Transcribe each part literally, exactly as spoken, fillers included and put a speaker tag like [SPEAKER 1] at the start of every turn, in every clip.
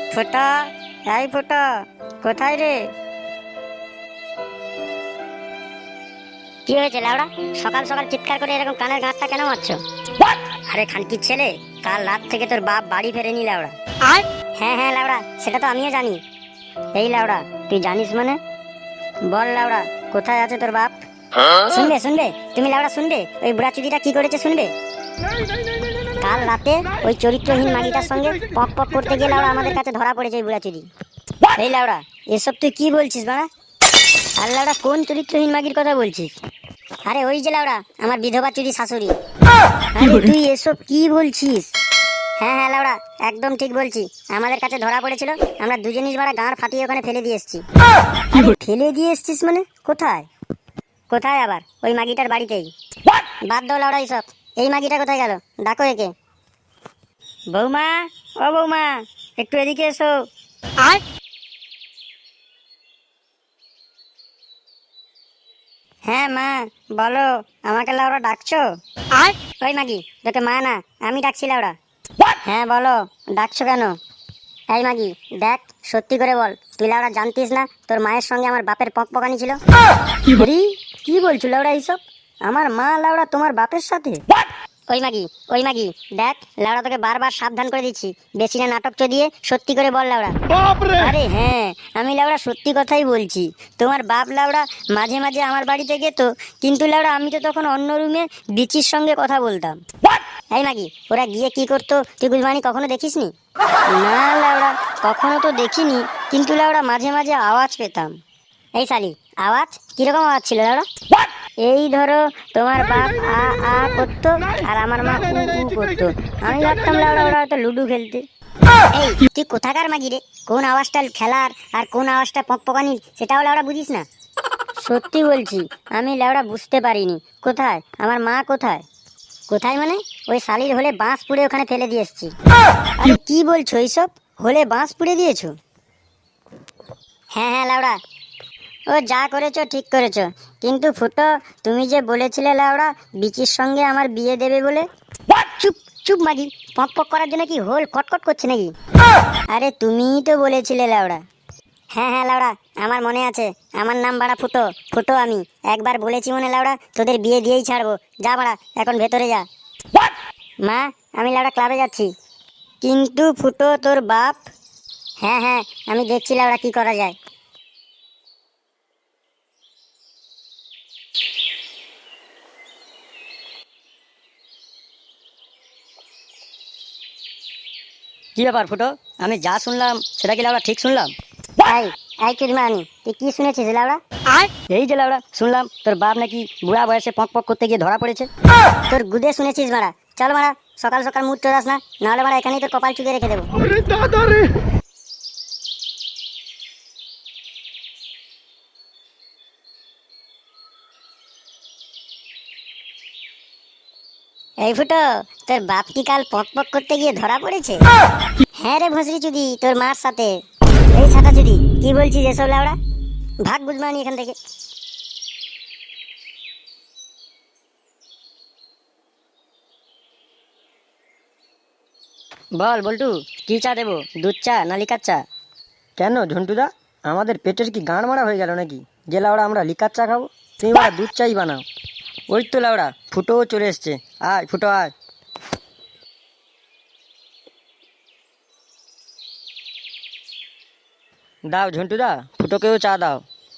[SPEAKER 1] ফোটা, এই ফোটা, কোথায় রে? কি হয়েছে লাউড়া? সকাল সকাল চিৎকার করে এরকম কানের গাঁটটা কেন মারছো? আরে খানকির ছেলে, কাল রাত থেকে তোর বাপ বাড়ি ফেরেনি লাউড়া। হ্যাঁ হ্যাঁ লাউড়া, সেটা তো আমিও জানি। এই লাউড়া, তুই জানিস মানে? বল লাউড়া, কোথায় আছে তোর বাপ? শুনবে শুনবে তুমি লাউড়া, শুনবে ওই বুড়া চুদিটা কি করেছে শুনবে? কাল রাতে ওই চরিত্রহীন মাগিটার সঙ্গে পক পক করতে গিয়ে লাউড়া আমাদের কাছে ধরা পড়েছে ওই বুড়া চুদি। এই লাউড়া, এসব তুই কি বলছিস বাড়া? আর লাউড়া কোন চরিত্রহীন মাগির কথা বলছিস? আরে ওই যে লাউড়া, আমার বিধবা চুদি শাশুড়ি। আরে তুই এসব কি বলছিস? হ্যাঁ হ্যাঁ লাউড়া, একদম ঠিক বলছি। আমাদের কাছে ধরা পড়েছিল, আমরা দুজনই বাড়া গাঁড় ফাটিয়ে ওখানে ফেলে দিয়ে এসছি। ফেলে দিয়ে এসছিস মানে? কোথায় কোথায় আবার? ওই মাগিটার বাড়িতেই। বাদ দাও লাউড়া এইসব। এই মাগিটা কোথায় গেল? ডাকো একে। বৌমা, ও বৌমা, একটু এদিকে এসো। হ্যাঁ মা, বলো, আমাকে লাউড়া ডাকছো? ওই মাগি, তোকে মা না, আমি ডাকছি লাউড়া। হ্যাঁ বলো, ডাকছো কেন? এই মাগি দেখ, সত্যি করে বল, তুই লাউড়া জানতিস না তোর মায়ের সঙ্গে আমার বাপের পকপকানি ছিল? আরে কি বলছো লাউড়া এইসব? আমার মা লাউড়া তোমার বাপের সাথে? ওই মাগি, ওই মাগি দেখ, লাউড়া তোকে বারবার সাবধান করে দিচ্ছি, বেশি না নাটক চদিয়ে সত্যি করে বল লাউড়া। আরে হ্যাঁ, আমি লাউড়া সত্যি কথাই বলছি। তোমার বাপ লাউড়া মাঝে মাঝে আমার বাড়িতে যেত, কিন্তু লাউড়া আমি তো তখন অন্য রুমে বিচির সঙ্গে কথা বলতাম। এই মাগি, ওরা গিয়ে কি করতো তুই গুলমানি কখনো দেখিসনি? না লাউড়া, কখনো তো দেখিনি, কিন্তু লাউড়া মাঝে মাঝে আওয়াজ পেতাম। এই শালি, আওয়াজ কিরকম আওয়াজ ছিল লাউড়া? এই ধরো, তোমার বাপ আ আ করতো আর আমার মা উ উ করতো। আমি ভাবতাম লাউড়া ওরা হয়তো লুডু খেলতে। এই তুই কোথাকার মাগি রে? কোন আওয়াজটা খেলার আর কোন আওয়াজটা পকপকানির সেটাও লাউড়া বুঝিস না? সত্যি বলছি, আমি লাউড়া বুঝতে পারিনি। কোথায় আমার মা? কোথায় কোথায় মানে? ওই শালির হলে বাঁশ পুড়ে ওখানে ফেলে দিয়ে এসছি। আরে কি বলছো এইসব? হলে বাঁশ পুড়ে দিয়েছো? হ্যাঁ হ্যাঁ লাউড়া, ও যা করেছো ঠিক করেছো, কিন্তু ফুটো, তুমি যে বলেছিলে লাউড়া বিচির সঙ্গে আমার বিয়ে দেবে বলে। চুপ চুপ মাগি, পক পক করার জন্য কি হোল কটকট করছে নাকি? আরে তুমিই তো বলেছিলে লাউড়া। হ্যাঁ হ্যাঁ লাউড়া, আমার মনে আছে। আমার নাম বাড়া ফুটো, ফুটো আমি। একবার বলেছি মনে লাউড়া, তোদের বিয়ে দিয়েই ছাড়বো। যা বাড়া, এখন ভেতরে যা। মা, আমি লাউড়া ক্লাবে যাচ্ছি। কিন্তু ফুটো তোর বাপ? হ্যাঁ হ্যাঁ, আমি দেখছি লাউড়া কি করা যায়।
[SPEAKER 2] কি ব্যাপার ফুটো? আমি যা শুনলাম সেটা কি লাউড়া ঠিক শুনলাম?
[SPEAKER 1] এই এই চুদিমানি, তুই কি শুনেছিস লাউড়া?
[SPEAKER 2] এই যে লাউড়া, শুনলাম তোর বাপ নাকি বুড়া বয়সে পক পক করতে গিয়ে ধরা পড়েছে।
[SPEAKER 1] তোর গুদে শুনেছিস মারা? চল মারা, সকাল সকাল মুড চোদাস না, নাহলে মারা এখানেই তোর কপাল চুকে রেখে দেবো। এই ফুটো, তোর বাপ কি কাল পক পক করতে গিয়ে ধরা পড়েছে? হ্যাঁ রে ভসরি চুদি, তোর মার সাথে। এই ছাতা চুদি, কি বলছিস এসব লাউড়া? ভাগ বুঝমানি এখান থেকে।
[SPEAKER 2] বল বল্টু, কি চা দেবো? দুধ চা না লিকার চা? কেন ঝন্টুদা, আমাদের পেটের কি গাঁড় মারা হয়ে গেল নাকি যে লাউড়া আমরা লিকার চা খাবো? তুমি বাড়া দুধ চাই বানাও। ওই তো লাউড়া, ফুটোও চলে এসছে। আয় ফুটো আয়। দাও ঝন্টুদা, ফুটোকেও চা দাও।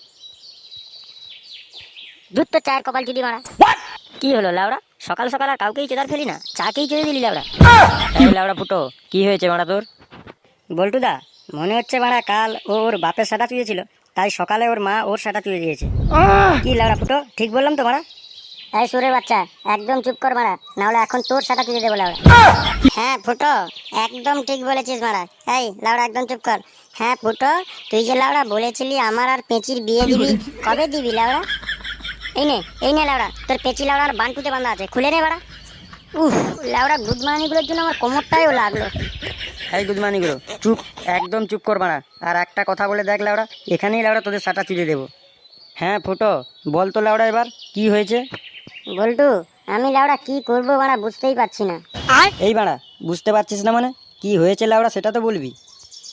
[SPEAKER 1] দুধ তো চায়ের কপাল চুদি মারা।
[SPEAKER 2] কি হলো লাউড়া, সকাল সকাল আর কাউকেই চেদার ফেলি না, চাকেই চেয়ে দিলি লাউড়া? এই লাউড়া ফুটো, কি হয়েছে মারা তোর? বল্টুদা, মনে হচ্ছে মারা কাল ওর বাপের সাটা চুয়েছিল, তাই সকালে ওর মা ওর সাটা চুয়ে দিয়েছে। কি লাউড়া ফুটো, ঠিক বললাম তো মারা?
[SPEAKER 1] এই সুরের বাচ্চা, একদম চুপ কর মারা, নাহলে এখন তোর সাটা চুদি দেবো লাউড়া। হ্যাঁ ফুটো, একদম ঠিক বলেছিস মারা। এই লাউড়া একদম চুপ কর। হ্যাঁ ফুটো, তুই যে লাউড়া বলেছিলি আমার আর পেঁচির বিয়ে দিবি, কবে দিবি লাউড়া? এই নে এই নে লাউড়া, তোর পেঁচি লাউড়া আর বান্টুতে বাঁধা আছে, খুলে নে বাড়া। উফ, লাউড়া গুদমানিগুলোর জন্য আমার কোমরটাইও লাগলো।
[SPEAKER 2] এই গুদমানিগুলো চুপ, একদম চুপ কর মারা। আর একটা কথা বলে দেখ লাউড়া, এখানেই লাউড়া তোদের সাটা চুড়ে দেবো। হ্যাঁ ফুটো, বল তো লাউড়া এবার কি হয়েছে?
[SPEAKER 1] বল্টু, আমি লাউড়া কি করবো বাড়া বুঝতেই পারছি না।
[SPEAKER 2] এই বাড়া, বুঝতে পারছিস না মানে? কি হয়েছে লাউড়া সেটা তো বলবি।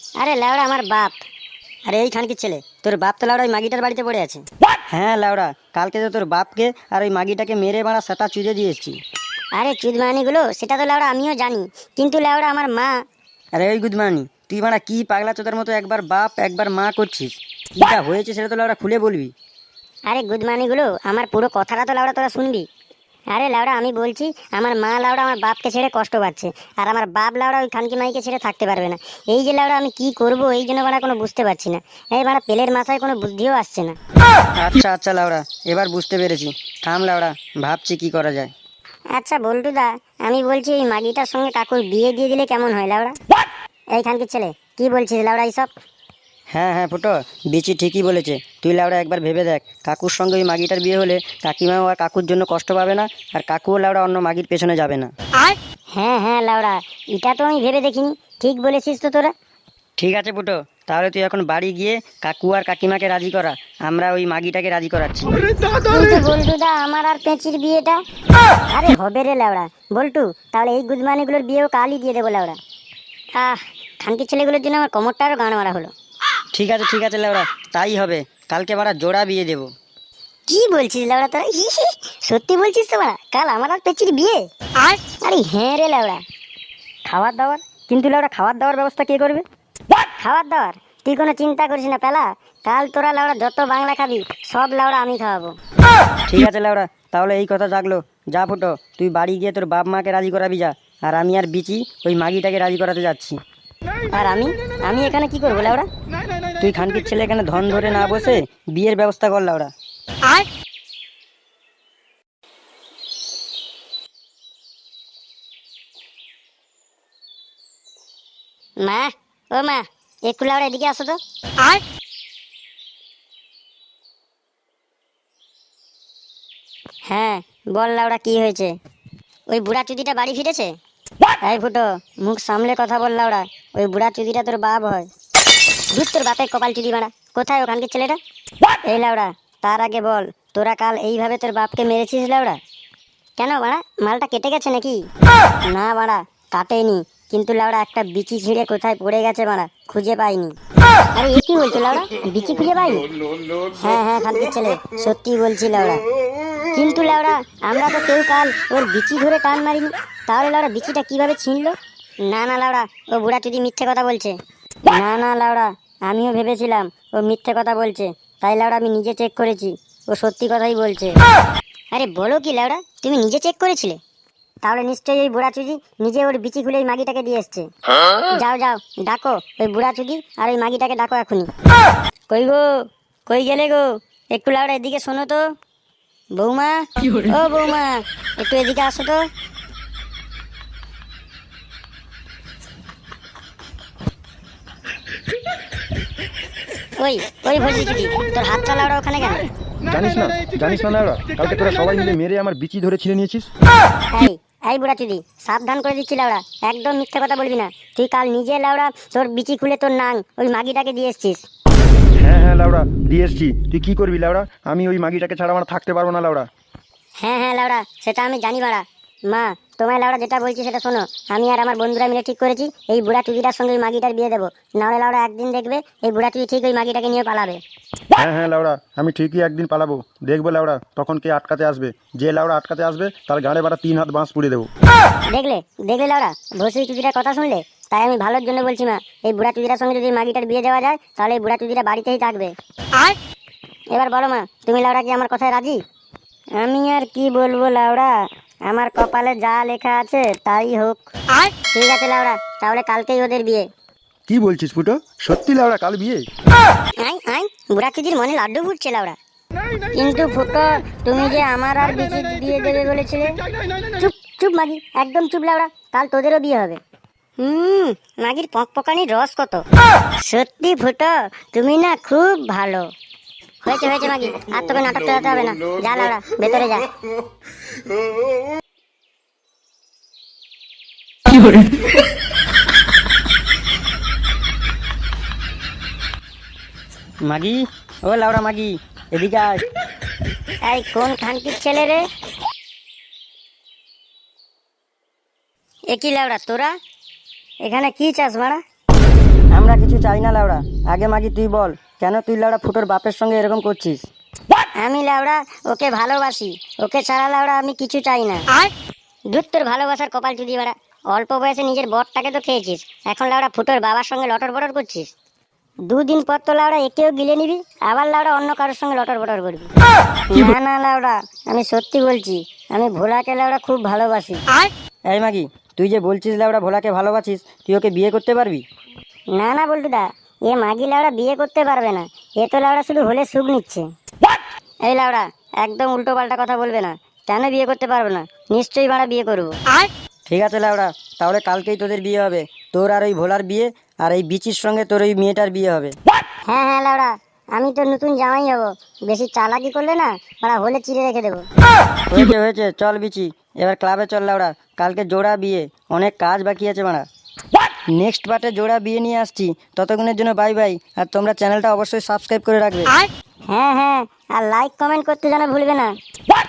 [SPEAKER 1] আরে লেওড়া আমার বাপ।
[SPEAKER 2] আরে এই খানকির ছেলে, তোর বাপ তো লাউড়া ওই মাগিটার বাড়িতে পড়ে আছে। হ্যাঁ লাউড়া, কালকে তো তোর বাপকে আর ওই মাগিটাকে মেরে মারা সেটা চুজে দিয়ে এসছি।
[SPEAKER 1] আরে চুদমানিগুলো সেটা তো লেওড়া আমিও জানি, কিন্তু লেওড়া আমার মা।
[SPEAKER 2] আরে ওই গুদমানি, তুই মারা কি পাগলা চোদার মতো একবার বাপ একবার মা করছিস? কিটা হয়েছে সেটা তো লাউড়া খুলে বলবি।
[SPEAKER 1] আরে গুদমানিগুলো আমার পুরো কথাটা তো লেওড়া তোরা শুনবি। আরে লেওড়া আমি বলছি, আমার মা লেওড়া আমার বাপকে ছেড়ে কষ্ট পাচ্ছে, আর আমার বাপ লেওড়া ওই খানকি মাইকে ছেড়ে থাকতে পারবে না। এই যে লেওড়া আমি কি করব এই জন্য বাড়া কোনো বুঝতে পারছি না। এই বাড়া পেলের মাথায় কোনো বুদ্ধিও আসছে না।
[SPEAKER 2] আচ্ছা আচ্ছা লাউড়া, এবার বুঝতে পেরেছি। থাম লাউড়া, ভাবছি কি করা যায়।
[SPEAKER 1] আচ্ছা বল্টুদা, আমি বলছি এই মাগিটার সঙ্গে কাকুর বিয়ে দিয়ে দিলে কেমন হয় লেওড়া? এই খানকির ছেলে, কি বলছিস লেওড়া এইসব?
[SPEAKER 2] হ্যাঁ হ্যাঁ ফুটো, বিচি ঠিকই বলেছে। তুই লাউড়া একবার ভেবে দেখ, কাকুর সঙ্গে ওই মাগিটার বিয়ে হলে কাকিমাও আর কাকুর জন্য কষ্ট পাবে না, আর কাকুও লাউড়া অন্য মাগির পেছনে যাবে না।
[SPEAKER 1] হ্যাঁ হ্যাঁ লেওড়া, এটা তো আমি ভেবে দেখিনি। ঠিক বলেছিস তো তোরা।
[SPEAKER 2] ঠিক আছে ফুটো, তাহলে তুই এখন বাড়ি গিয়ে কাকু আর কাকিমাকে রাজি করা, আমরা ওই মাগিটাকে রাজি করাচ্ছি।
[SPEAKER 1] কিন্তু বল্টুদা আমার আর পেঁচির বিয়েটা? আরে হবে রে লেওড়া। বল্টু, তাহলে এই গুদমানিগুলোর বিয়েও কালই দিয়ে দেবো লেওড়া। আহ, খানকির ছেলেগুলোর জন্য আমার কোমরটা আরও গান মারা হলো।
[SPEAKER 2] ঠিক আছে ঠিক আছে লাউড়া, তাই হবে। কালকে বাড়া জোড়া বিয়ে দেবো।
[SPEAKER 1] কি বলছিস লেওড়া তোরা? হি হি, সত্যি বলছিস তো বাড়া? কাল আমার আর পেঁচির বিয়ে? আর আরে হ্যাঁ রে লেওড়া।
[SPEAKER 2] খাবার দাবার? কিন্তু লাউড়া খাবার দাবার ব্যবস্থা কে করবে?
[SPEAKER 1] খাবার দাবার তুই কোনো চিন্তা করিস না পেলা। কাল তোরা লেওড়া যত বাংলা খাবি সব লেওড়া আমি খাওয়াবো।
[SPEAKER 2] ঠিক আছে লাউড়া, তাহলে এই কথা জাগলো। যা ফুটো, তুই বাড়ি গিয়ে তোর বাপ মাকে রাজি করাবি যা, আর আমি আর বিচি ওই মাগিটাকে রাজি করাতে যাচ্ছি।
[SPEAKER 1] আর আমি আমি এখানে কি করবো লেওড়া?
[SPEAKER 2] তুই খানকির ছেলে এখানে ধন ধরে না বসে বিয়ের ব্যবস্থা কর লাউড়া।
[SPEAKER 1] আর মা, ও মা, একটু লাউড়া এদিকে আসো তো। আর হ্যাঁ বল লাউড়া, কি হয়েছে? ওই বুড়া চুদিটা বাড়ি ফিরেছে? এই ফুটো, মুখ সামলে কথা বল লাউড়া। ওই বুড়া চুদিটা তোর বাপ হয়। ধুর তোর বাপের কপাল চুদি মারা। কোথায় ওখানকার ছেলেটা? এই লাউড়া, তার আগে বল, তোরা কাল এইভাবে তোর বাপকে মেরেছিস লাউড়া? কেন বাড়া, মালটা কেটে গেছে নাকি? না বাড়া, কাটেনি, কিন্তু লাউড়া একটা বিচি ছিঁড়ে কোথায় পড়ে গেছে বাড়া, খুঁজে পাইনি। আরে এ কি বলছো লাউড়া, বিচি খুঁজে পাইনি? হ্যাঁ হ্যাঁ খানকির ছেলে, সত্যি বলছি লাউড়া। কিন্তু লাউড়া আমরা তো কেউ কাল ওর বিচি ধরে টান মারিনি, তাহলে লাউড়া বিচিটা কিভাবে ছিনলো? না না লাউড়া, ও বুড়া চুদি মিথ্যে কথা বলছে। না না লাউড়া, আমিও ভেবেছিলাম ও মিথ্যে কথা বলছে, তাই লাউড়া আমি নিজে চেক করেছি, ও সত্যি কথাই বলছে। আরে বলো কি লাউড়া, তুমি নিজে চেক করেছিলে? তাহলে নিশ্চয়ই ওই বুড়া চুদি নিজে ওর বিচি খুলে ওই মাগিটাকে দিয়ে এসছে। যাও যাও, ডাকো ওই বুড়া চুদি আর ওই মাগিটাকে ডাকো এখনই। কই গো, কই গেলে গো? একটু লাউড়া এদিকে শোনো তো। বৌমা, ও বৌমা, একটু এদিকে আসো তো। ওই ওই ভর্তি চুদি, তোর হাতটা লাউড়া ওখানে কেন?
[SPEAKER 3] জানিস না জানিস না লাউড়া, কালকে তোরা সবাই মিলে মেরে আমার বিচি ধরে ছিঁড়ে নিয়েছিস।
[SPEAKER 1] এই এই বুড়া চুদি, সাবধান করে দিচ্ছি লাউড়া, একদম মিথ্যে কথা বলবি না। তুই কাল নিজে লাউড়া তোর বিচি খুলে তোর নাং ওই মাগিটাকে দিয়ে এসছিস।
[SPEAKER 3] হ্যাঁ হ্যাঁ লাউড়া, দিয়ে এসছি। তুই কি করবি লাউড়া? আমি ওই মাগিটাকে ছাড়া আমার থাকতে পারবো না লাউড়া।
[SPEAKER 1] হ্যাঁ হ্যাঁ লাউড়া, সেটা আমি জানি বাড়া। মা, তোমায় লাউড়া যেটা বলছি সেটা শোনো। আমি আর আমার বন্ধুরা মিলে ঠিক করেছি এই বুড়া চুদিটার সঙ্গে ওই মাগিটার বিয়ে দেবো। নাহলে লাউড়া একদিন দেখবে এই বুড়া চুদি ঠিক ওই মাগিটাকে নিয়ে পালাবে।
[SPEAKER 3] হ্যাঁ হ্যাঁ লাউড়া, আমি ঠিকই একদিন পালাবো, দেখবো লাউড়া তখন কে আটকাতে আসবে। যে লাউড়া আটকাতে আসবে তার গাড়ে বাড়া তিন হাত বাঁশ পুড়ে দেবো।
[SPEAKER 1] দেখলে দেখলে লাউড়া, ভসি চুদিটার কথা শুনলে? তাই আমি ভালোর জন্য বলছি মা, এই বুড়া চুদিটার সঙ্গে যদি এই মাগিটার বিয়ে দেওয়া যায় তাহলে এই বুড়া চুদিটা বাড়িতেই থাকবে। আর এবার বলো মা, তুমি লাউড়া কি আমার কথায় রাজি? আমি আর কি বলবো লাউড়া, আমার কপালে যা লেখা আছে তাই হোক। আর ঠিক আছে লাউড়া, তাহলে কালকেই ওদের বিয়ে।
[SPEAKER 3] কি বলছিস ফুটো, সত্যি লাউড়া কাল বিয়ে?
[SPEAKER 1] আই আই, বুড়া চুদির মনে লাড্ডু ফুটছে লাউড়া। কিন্তু ফুটো, তুমি যে আমার আর বিচির বিয়ে দেবে বলেছিলে। চুপ চুপ মাগি, একদম চুপ লাউড়া, কাল তোদেরও বিয়ে হবে। হুম, মাগির পকপকানির রস কত। সত্যি ফুটো, তুমি না খুব ভালো। হয়েছে হয়েছে মাগি, আর তোকে নাটক চালাতে হবে না। যা লাউড়া, ভেতরে যা।
[SPEAKER 2] মাগি, ও লাউড়া মাগি, এদিকে আয়।
[SPEAKER 1] এই কোন খানকির ছেলে রে? একই লাউড়া, তোরা এখানে কি চাস মারা?
[SPEAKER 2] আমরা কিছু চাই না লাউড়া। আগে মাগি তুই বল, কেন তুই লাউড়া ফুটোর বাপের সঙ্গে এরকম করছিস?
[SPEAKER 1] আমি লাউড়া ওকে ভালোবাসি, ওকে ছাড়া লাউড়া আমি কিছু চাই না। দূর তোর ভালোবাসার কপাল চুদি বাড়া, অল্প বয়সে নিজের বরটাকে তো খেয়েছিস, এখন লাউড়া ফুটোর বাবার সঙ্গে লটর বটর করছিস। দুদিন পর তো লাউড়া একেও গিলে নিবি, আবার লাউড়া অন্য কারোর সঙ্গে লটর বটর করবি। না না লাউড়া, আমি সত্যি বলছি, আমি ভোলাকে লাউড়া খুব ভালোবাসি।
[SPEAKER 2] এই মাগি, তুই যে বলছিস লাউড়া ভোলাকে ভালোবাসিস, তুই ওকে বিয়ে করতে পারবি?
[SPEAKER 1] না না বল্টুদা, এ মাগি লাউড়া বিয়ে করতে পারবে না, এ তো লাউড়া শুধু হলে সুখ নিচ্ছে। এই লাউড়া একদম উল্টো পাল্টা কথা বলবে না, কেন বিয়ে করতে পারবো না? নিশ্চয়ই বাড়া বিয়ে করবো।
[SPEAKER 2] ঠিক আছে লাউড়া, তাহলে কালকেই তোদের বিয়ে হবে, তোর আর ওই ভোলার বিয়ে, আর এই বিচির সঙ্গে তোর ওই মেয়েটার বিয়ে হবে।
[SPEAKER 1] হ্যাঁ হ্যাঁ লাউড়া, আমি তো নতুন জামাই হবো, বেশি চালাকি করলে না বাড়া হলে চিড়ে রেখে দেবো।
[SPEAKER 2] হয়েছে হয়েছে, চল বিচি, এবার ক্লাবে চল লাউড়া, কালকে জোড়া বিয়ে, অনেক কাজ বাকি আছে মারা। নেক্সট পার্টে জোড়া বিয়ে নিয়ে আসছি, ততক্ষণের জন্য বাই বাই, আর তোমরা চ্যানেলটা অবশ্যই সাবস্ক্রাইব করে রাখবে।
[SPEAKER 1] হ্যাঁ হ্যাঁ, আর লাইক কমেন্ট করতে যেন ভুলবে না।